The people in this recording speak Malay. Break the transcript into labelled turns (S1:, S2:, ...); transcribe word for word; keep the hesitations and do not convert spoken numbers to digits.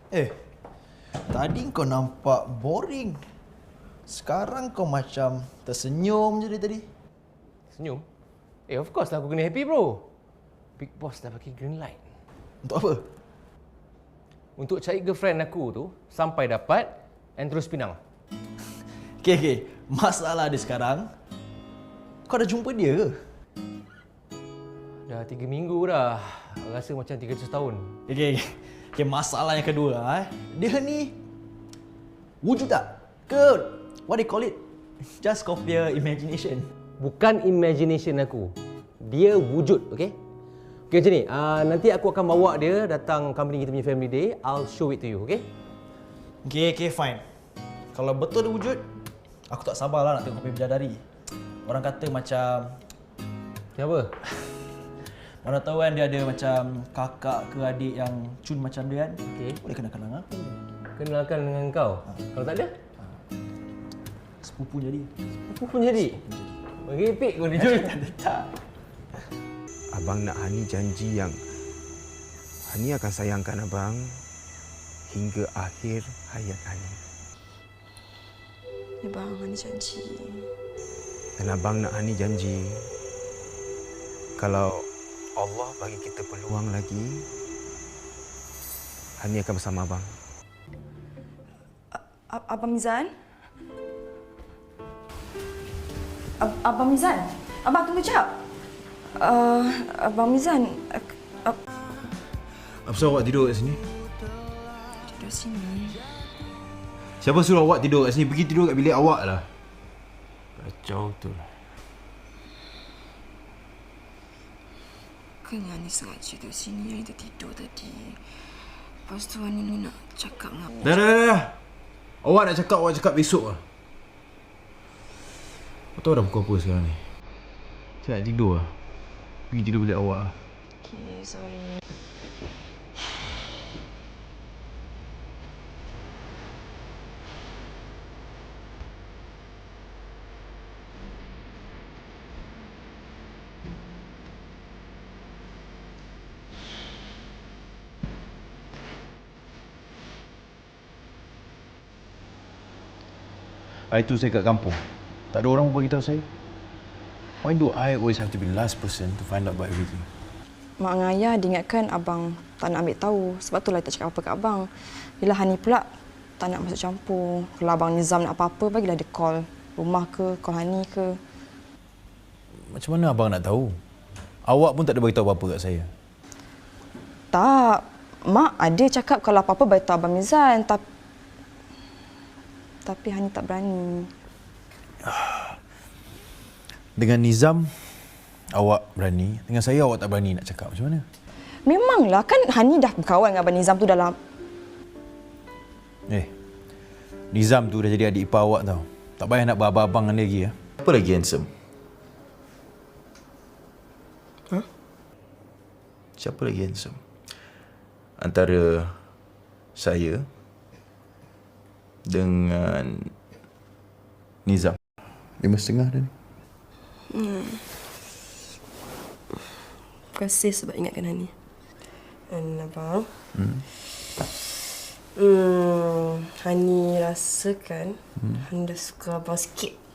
S1: Eh, tadi kau nampak boring. Sekarang kau macam tersenyum je dari tadi.
S2: Senyum? Eh, of course lah aku kena happy, bro. Big Boss dah bagi green light.
S1: Untuk apa?
S2: Untuk cari girlfriend aku tu sampai dapat and terus pinang.
S1: Okey, okey. Masalah dia sekarang, kau dah jumpa dia ke?
S2: Dah tiga minggu dah. Rasa macam tiga ratus tahun.
S1: Okey, okey. Okay, masalah yang kedua, eh. Dia ni wujud tak? Ke what they call it? Just copy your imagination.
S2: Bukan imagination aku. Dia wujud, okey? Okey macam ni, uh, nanti aku akan bawa dia datang company kita punya family day. I'll show it to you, okey?
S1: Okey, okey, fine. Kalau betul dia wujud, aku tak sabarlah nak tengok kopi bidadari. Orang kata macam...
S2: Kenapa?
S1: Mana tahu kan dia ada macam kakak ke adik yang cun macam dia kan.
S2: Okey.
S1: Boleh kenalkan dengan aku.
S2: Kenalkan dengan kau. Ha. Kalau tak ada?
S1: Ha. Sepupu jadi.
S2: Sepupu pun jadi? Merepek kau ni, Jul.
S1: Tak ada tak.
S3: Abang nak Hani janji yang Hani akan sayangkan abang hingga akhir hayat Hani.
S4: Ya bang, Hani janji.
S3: Dan abang nak Hani janji kalau Allah bagi kita peluang lagi, Hani akan bersama abang.
S4: Abang Mizan? Ab- Abang Mizan? Abang tunggu jap. Uh, Abang Mizan... Uh, uh,
S5: Apa sebab awak tidur kat sini?
S4: Tidur sini.
S5: Siapa suruh awak tidur kat sini? Pergi tidur kat bilik awak lah. Kacau tu.
S4: Kan Hani sengaja tidur sini, Hani tertidur tadi. Lepas tu Hani ni nak cakap dengan
S5: Dah, dah, dah, dah. Awak nak cakap, awak cakap besok lah. Kau tahu dah pukul apa sekarang ni? Saya nak tidur lah. Pergi tidur bilik awak lah.
S4: Okay, sorry.
S5: Hari tu saya kat kampung. Tak ada orang pun beritahu saya. Why do I always have to be the last person to find out about everything?
S4: Mak dengan ayah diingatkan abang tak nak ambil tahu. Sebab tu lah tak cakap apa kat abang. Bila Hani pula tak nak masuk campur. Kalau abang Nizam nak apa-apa, bagilah dia call rumah ke, call Hani ke.
S5: Macam mana abang nak tahu? Awak pun tak ada beritahu apa-apa kat saya.
S4: Tak. Mak ada cakap kalau apa-apa beritahu abang Mizan. Tapi Tapi Hani tak berani.
S5: Dengan Nizam, awak berani. Dengan saya, awak tak berani nak cakap. Macam mana?
S4: Memanglah. Kan Hani dah berkawan dengan abang Nizam tu dalam...
S5: Eh, Nizam tu dah jadi adik ipar awak tau. Tak payah nak berabang-abang dengan dia lagi. Ya? Apa lagi handsome?
S3: Huh? Siapa lagi handsome? Antara saya dengan Nizam. Lima setengah dah ni.
S6: Hmm. Terima kasih sebab ingatkan Hani. Dan abang. Hmm. Hmm. Hani rasakan hmm. Hani dah suka abang sikit.